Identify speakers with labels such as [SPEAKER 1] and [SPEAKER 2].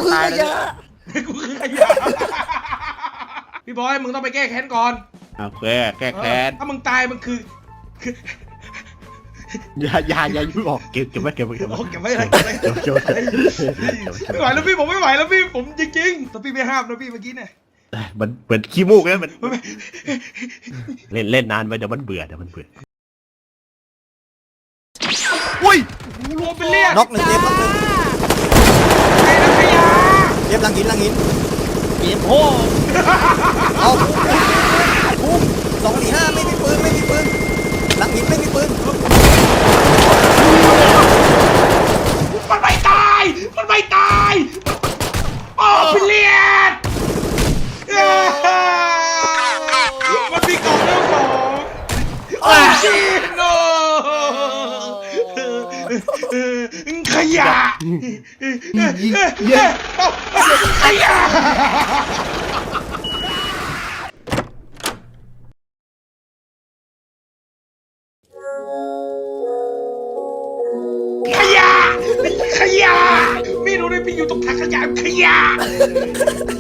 [SPEAKER 1] คือขยะ
[SPEAKER 2] กูคือขยะพี่บอยมึงต้องไปแก้แค้นก่อน
[SPEAKER 3] โอเคแก้แค้น
[SPEAKER 2] ถ้ามึงตายมึงคือ
[SPEAKER 3] อย่ายุ่งออกเก็บไว้
[SPEAKER 2] เก็บไว้อะไร
[SPEAKER 3] เก็บ
[SPEAKER 2] ไม่ไหวแล้วพี่ผมไม่ไหวแล้วพี่ผมจริงๆแต่พี่ไม่ห้ามนะพี่เมื่อกี้เนี่ย
[SPEAKER 3] มันเหมือนขี้มูกนะมันเล่นนานไปเดี๋ยวมันเบื่ออุ้ย
[SPEAKER 2] รวมเป็นเลือด
[SPEAKER 1] น็อกหนึ่งเจ็บน็อกหนึ่ง
[SPEAKER 2] ไอ้นักขยะ
[SPEAKER 1] เจ็บหลังหิน
[SPEAKER 3] เกมโพ่
[SPEAKER 1] เอาพุ่ง245ไม่มีปืนหลังหินไม่มีปืน
[SPEAKER 2] มันไม่ตายโอ้เป็นเลือดมันมีกล่องเรื่องของโอ้ชิโนขยะขยะขยะมีรู้ด้วยพี่อยู่ตรงถังขยะขยะ